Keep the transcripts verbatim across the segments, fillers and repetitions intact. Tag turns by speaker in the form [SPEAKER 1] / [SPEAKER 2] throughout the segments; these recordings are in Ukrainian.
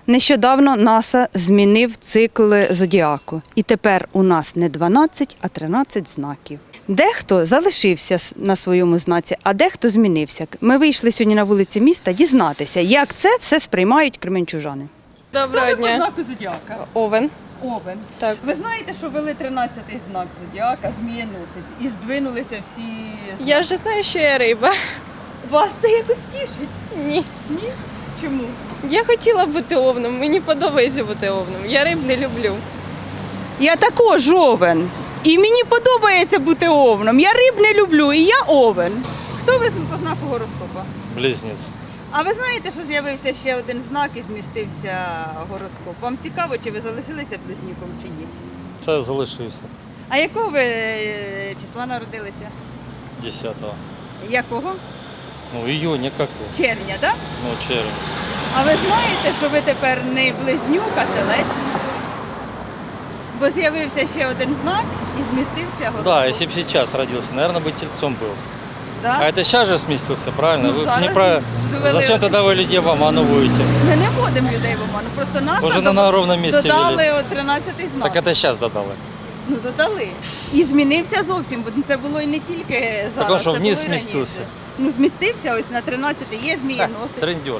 [SPEAKER 1] Нещодавно НАСА змінив цикл зодіаку. І тепер у нас не дванадцять, а тринадцять знаків. Дехто залишився на своєму знаці, а дехто змінився. Ми вийшли сьогодні на вулиці міста дізнатися, як це все сприймають кременчужани.
[SPEAKER 2] Доброго
[SPEAKER 1] Хто ви по
[SPEAKER 2] дня.
[SPEAKER 1] знаку зодіака?
[SPEAKER 2] Овен.
[SPEAKER 1] Овен.
[SPEAKER 2] Так.
[SPEAKER 1] Ви знаєте, що ввели тринадцятий знак зодіака, змієносець, і здвинулися всі знаки?
[SPEAKER 2] Я вже знаю, що я риба.
[SPEAKER 1] Вас це якось тішить?
[SPEAKER 2] Ні.
[SPEAKER 1] Ні? Чому?
[SPEAKER 2] Я хотіла бути овном, мені подобається бути овном. Я риб не люблю.
[SPEAKER 1] Я також овен. І мені подобається бути овном. Я риб не люблю, і я овен. Хто ви по знаку гороскопа?
[SPEAKER 3] Близнець.
[SPEAKER 1] А ви знаєте, що з'явився ще один знак і змістився гороскоп? Вам цікаво, чи ви залишилися близнюком чи ні?
[SPEAKER 3] Це залишився
[SPEAKER 1] А якого ви е, числа народилися?
[SPEAKER 3] десятого.
[SPEAKER 1] Якого?
[SPEAKER 3] Ну, июня какого?
[SPEAKER 1] Червня, так?
[SPEAKER 3] Ну, червень.
[SPEAKER 1] А ви знаєте, що ви тепер не близнюк, а телець? Бо з'явився ще один знак і змістився гороскоп.
[SPEAKER 3] Да, если бы сейчас родился, наверное, бы тельцом был.
[SPEAKER 1] Да?
[SPEAKER 3] А это сейчас же сместился, правильно?
[SPEAKER 1] Ну,
[SPEAKER 3] Вы
[SPEAKER 1] зараз
[SPEAKER 3] не про...
[SPEAKER 1] довели
[SPEAKER 3] Зачем
[SPEAKER 1] один.
[SPEAKER 3] тогда вы людей в оману будете?
[SPEAKER 1] Ми не вводимо людей в оману, просто нас
[SPEAKER 3] Уже на, на ровном месте
[SPEAKER 1] додали
[SPEAKER 3] ввели.
[SPEAKER 1] от тринадцятий знак.
[SPEAKER 3] Так это сейчас додали.
[SPEAKER 1] Ну додали. І змінився зовсім, бо це було і не тільки зараз.
[SPEAKER 3] он що,
[SPEAKER 1] це
[SPEAKER 3] вниз
[SPEAKER 1] було і
[SPEAKER 3] змістився?
[SPEAKER 1] раніше. Ну змістився ось на тринадцятий, є
[SPEAKER 3] Ха,
[SPEAKER 1] змієносець.
[SPEAKER 3] трындеж.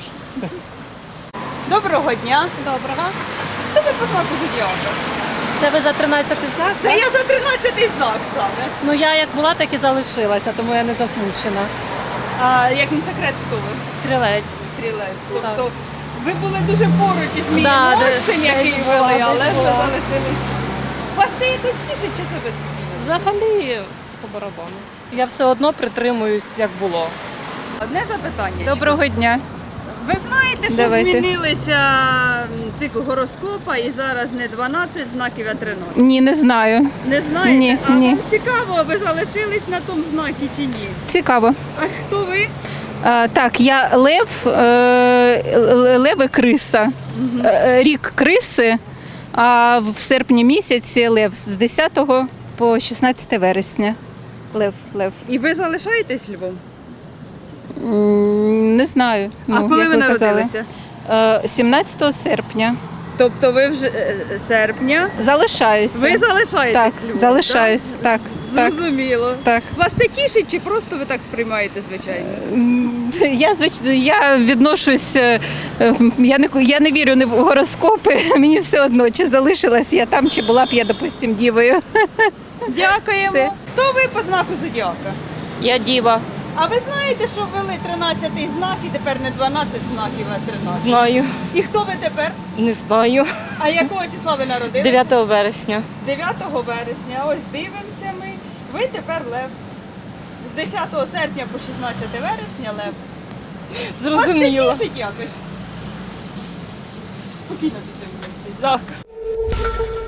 [SPEAKER 1] Доброго дня.
[SPEAKER 4] Доброго.
[SPEAKER 1] Хто ви по знаку зодіака?
[SPEAKER 4] Це ви за тринадцятий знак?
[SPEAKER 1] Це
[SPEAKER 4] так?
[SPEAKER 1] я за тринадцятий знак саме.
[SPEAKER 4] Ну я як була, так і залишилася, тому я не засмучена.
[SPEAKER 1] А як не секрет, хто ви?
[SPEAKER 4] Стрілець.
[SPEAKER 1] Стрілець.
[SPEAKER 4] Так.
[SPEAKER 1] Тобто ви були дуже поруч із
[SPEAKER 4] Да,
[SPEAKER 1] змієносцем,
[SPEAKER 4] де-
[SPEAKER 1] який
[SPEAKER 4] десь
[SPEAKER 1] вели,
[SPEAKER 4] була,
[SPEAKER 1] але
[SPEAKER 4] десь
[SPEAKER 1] ви
[SPEAKER 4] була.
[SPEAKER 1] залишились. Вас це якось тішить, чи це безпокійно?
[SPEAKER 4] Взагалі по барабану. Я все одно притримуюсь, як було.
[SPEAKER 1] Одне запитання.
[SPEAKER 5] Доброго дня.
[SPEAKER 1] Ви знаєте, що
[SPEAKER 5] Давайте.
[SPEAKER 1] змінилися цикл гороскопа і зараз не дванадцять знаків, а тринадцять?
[SPEAKER 5] Ні, не знаю.
[SPEAKER 1] Не знаєте?
[SPEAKER 5] Ні,
[SPEAKER 1] а
[SPEAKER 5] ні.
[SPEAKER 1] вам цікаво, ви залишились на тому знакі чи ні?
[SPEAKER 5] Цікаво.
[SPEAKER 1] А хто ви?
[SPEAKER 5] А, так, я лев, е, лев і криса. Е, Рік криси, а в серпні місяці лев з десятого по шістнадцяте вересня. Лев, лев.
[SPEAKER 1] І ви залишаєтесь Львом?
[SPEAKER 5] М, Не знаю.
[SPEAKER 1] а
[SPEAKER 5] ну,
[SPEAKER 1] коли
[SPEAKER 5] як
[SPEAKER 1] ви
[SPEAKER 5] казали.
[SPEAKER 1] народилися?
[SPEAKER 5] Е, сімнадцятого серпня.
[SPEAKER 1] Тобто ви вже е, серпня.
[SPEAKER 5] Залишаюся.
[SPEAKER 1] Ви залишаєтесь
[SPEAKER 5] Так,
[SPEAKER 1] Львом?
[SPEAKER 5] залишаюсь. Так, так,
[SPEAKER 1] Зрозуміло.
[SPEAKER 5] так.
[SPEAKER 1] Вас це тішить чи просто ви так сприймаєте, звичайно?
[SPEAKER 5] М, Я звичайно, я відношусь, е, е, я не я не вірю не в гороскопи. Мені все одно, чи залишилась я там, чи була б я, допустим, дівою.
[SPEAKER 1] Дякуємо.
[SPEAKER 5] Все.
[SPEAKER 1] Хто ви по знаку зодіака?
[SPEAKER 2] Я діва.
[SPEAKER 1] А ви знаєте, що ввели тринадцятий знак і тепер не дванадцять знаків, а тринадцять?
[SPEAKER 2] Знаю.
[SPEAKER 1] І хто ви тепер?
[SPEAKER 2] Не знаю.
[SPEAKER 1] А якого числа ви народилися?
[SPEAKER 2] дев'ятого вересня.
[SPEAKER 1] дев'ятого вересня. Ось дивимося ми. Ви тепер лев. З десятого серпня по шістнадцяте вересня лев.
[SPEAKER 2] Зрозуміло.
[SPEAKER 1] Вас це тішить якось? Спокійно до цього відноситесь. Так.